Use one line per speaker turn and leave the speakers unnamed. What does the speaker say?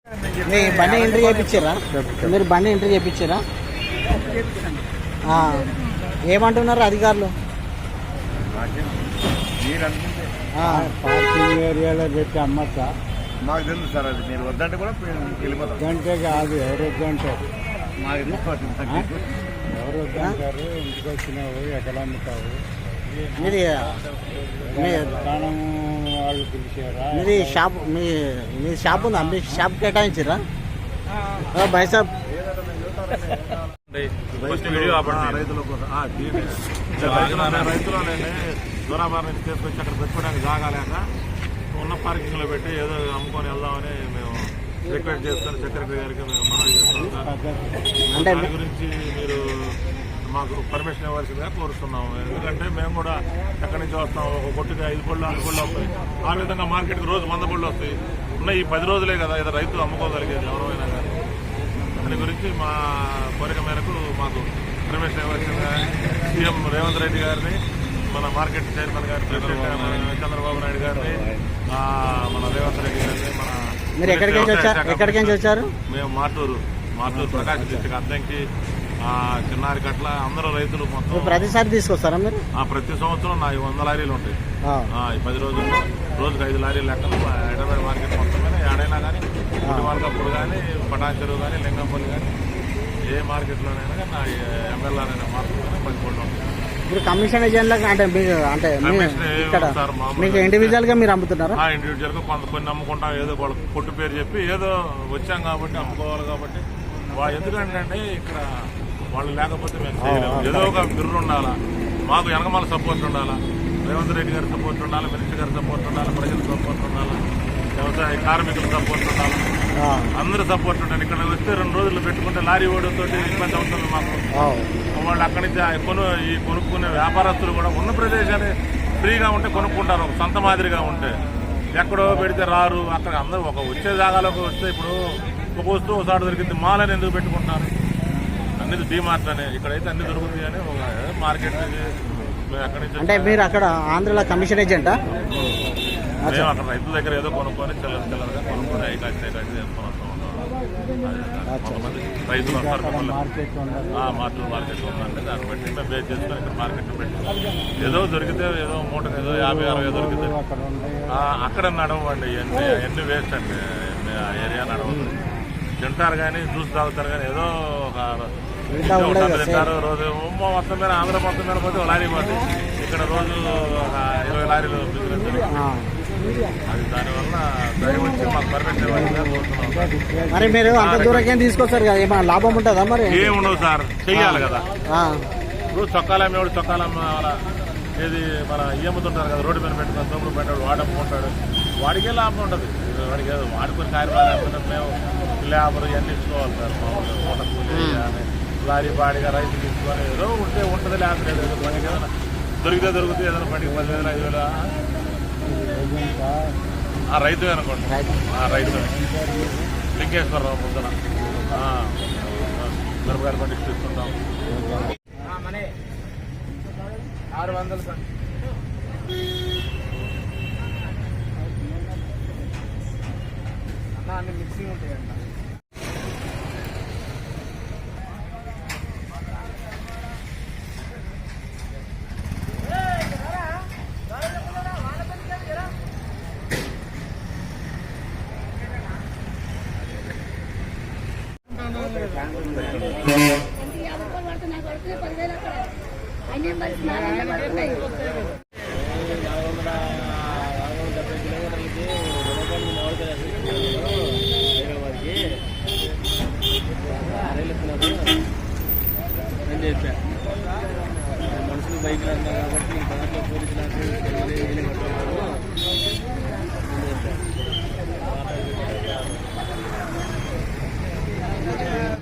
మీ బండి ఎంట్రీ చేయించారా? మీరు బండి ఎంట్రీ చేయించారా? ఏమంటున్నారు అధికారులు?
పార్కింగ్ ఏరియాలో పెట్టి అమ్మచ్చా?
మాకు తెలుసు సార్, అది మీరు వద్దంటే కూడా వెళ్ళిపోతాం.
గంటే కాదు, ఎవరు వద్దంటారు? ఎవరు వద్దంటారు? ఇంటికి వచ్చినావు ఎక్కడ అమ్ముతావు?
మీది
దుకాణం వాళ్ళు పిలిచారా?
మీది షాప్ మీ షాప్ ఉందా? మీ షాప్ కేటాయించారా? బైసాబ్
రైతులు దూరాబార్ నుంచి తీసుకొచ్చి అక్కడ పెట్టుకోవడానికి జాగాలేక ఉన్న పార్కింగ్లో పెట్టి ఏదో అమ్ముకొని వెళ్దామని మేము రిక్వెస్ట్ చేసుకొని సెక్రటరీ గారికి మేము మనవి చేస్తున్నాం సార్. దాని గురించి మీరు మాకు పర్మిషన్ ఇవ్వాల్సిందిగా కోరుతున్నాము. ఎందుకంటే మేము కూడా ఎక్కడి నుంచి వస్తాం, ఒక కొట్టుకి 5 పళ్ళు 6 పళ్ళు వస్తాయి. ఆ విధంగా మార్కెట్కి రోజు 100 పళ్ళు వస్తాయి. ఉన్న ఈ 10 రోజులే కదా ఏదో రైతు అమ్ముకోగలిగేది ఎవరైనా కానీ. దాని గురించి మా కోరిక మేరకు మాకు పర్మిషన్ ఇవ్వాల్సిందిగా సీఎం రేవంత్ రెడ్డి గారిని, మన మార్కెట్ చైర్మన్ గారి ప్రెసిడెంట్ చంద్రబాబు నాయుడు గారిని, మన రేవంత్ రెడ్డి గారిని, మన
మీరు ఎక్కడికి నుంచి వచ్చారు?
మేము మాటూరు ప్రకాశం డిస్ట్రిక్ట్ అద్దంకి చిన్నారి కట్ల అందరూ రైతులు మొత్తం
ప్రతిసారి తీసుకొస్తారా మీరు?
ప్రతి సంవత్సరం నా 100 లారీలు ఉంటాయి. ఈ 10 రోజుల్లో రోజుకి 5 లారీలు లెక్కలు హైదరాబాద్ మార్కెట్ మొత్తం మీద ఏడైనా కానీ మార్కప్పుడు కానీ పటాచెరువు కానీ లింగంపల్లి కానీ ఏ మార్కెట్లోనైనా కానీ నా ఎమ్మెల్యేనైనా మార్కెట్ కానీ 10 కోట్లు ఉంటాయి.
ఇప్పుడు కమిషన్ ఏజెంట్లకు అంటే మీకు ఇండివిజువల్ గా మీరు అమ్ముతున్నారా?
ఇండివిజువల్ గా కొన్ని అమ్ముకుంటాం. ఏదో వాళ్ళ కొట్టు పేరు చెప్పి ఏదో వచ్చాం కాబట్టి అమ్ముకోవాలి కాబట్టి. ఎందుకంటే ఇక్కడ వాళ్ళు లేకపోతే మేము చేయలేము. ఏదో ఒక బిర్రు ఉండాలా, మాకు వెనకమాల సపోర్ట్ ఉండాలా, రేవంత్ రెడ్డి గారి సపోర్ట్ ఉండాలి, మినిస్టర్ గారి సపోర్ట్ ఉండాలి, ప్రజల సపోర్ట్ ఉండాలి, వ్యవసాయ కార్మికుల సపోర్ట్ ఉండాలి, అందరూ సపోర్ట్ ఉండాలి. ఇక్కడ వస్తే 2 రోజులు పెట్టుకుంటే లారీ ఓడితో ఇబ్బంది అవుతుంది మాకు. వాళ్ళు అక్కడి నుంచి ఈ కొనుక్కునే వ్యాపారస్తులు కూడా ఉన్న ప్రదేశాన్ని ఫ్రీగా ఉంటే కొనుక్కుంటారు. ఒక సొంత మాదిరిగా ఉంటే ఎక్కడో పెడితే రారు. అక్కడ అందరూ ఒక వచ్చే జాగాలోకి వస్తే ఇప్పుడు ఒక వస్తువు ఒకసారి దొరికింది, మాల్ అని ఎందుకు పెట్టుకుంటారు? అన్ని డీమార్ట్ అని, ఇక్కడైతే అన్ని దొరుకుతాయి అని ఒక మార్కెట్ అక్కడి నుంచి.
అంటే మీరు అక్కడ ఆంధ్రలో కమిషన్ ఏజెంటా?
మేము అక్కడ రైతుల దగ్గర ఏదో కొనుక్కొని చిల్లరగా కొనుక్కొని ఐకాచి చేసుకొని వస్తూ ఉంటాం. కొంతమంది రైతులు వస్తారు, మార్కెట్ ఉందంటే దాన్ని బట్టి మేము బేస్ చేసుకొని ఇక్కడ మార్కెట్ పెట్టి ఏదో దొరికితే ఏదో మూటకు ఏదో 50-60 దొరికితే అక్కడ నడవండి. ఎన్ని వేస్ట్ అండి, ఏరియా నడవదు. తింటారు కానీ జ్యూస్ తాగుతారు కానీ ఏదో ఒక తింటారు. రోజు మొత్తం మీద ఆంధ్ర మొత్తం మీద పోతే లారీ పోతాయి. ఇక్కడ రోజు ఒక 20 లారీలు బిజినెస్. అది దానివల్ల దయవచ్చి మాకు పర్మిషన్ కోరుతున్నాం.
మరి మీరు అంత దూరం తీసుకొస్తారు కదా, ఏమైనా లాభం ఉంటుందా? మరి
ఏముండవు సార్, చెయ్యాలి కదా. ఇప్పుడు చొక్కాలు అమ్మేవాడు చొక్కాలు అమ్మాల, ఏది మన అమ్ముతుంటారు కదా, రోడ్డు మీద పెట్టుకుని తమ్ముడు పెట్టాడు, వాడు అమ్ముకుంటాడు, వాడికే లాభం ఉండదు. వాడికి వాడుకొని కార్యక్రమాలు మేము లేబర్ ఇవన్నీ ఇచ్చుకోవాలి సార్. మూట కూలి కానీ లారీ బాడిగా రైతు తీసుకొని ఏదో ఉంటే ఉంటుంది, లేకపోతే ఏదో బండికి ఏదైనా దొరికితే ఏదైనా బండికి 10,000 5,000 రైతు అనుకోండి. రైతు లింకేశ్వరరావు పొద్దున మిరపకాయల బండి తీసుకుంటాం. 600 అన్ని మిక్సింగ్ ఉంటాయండి.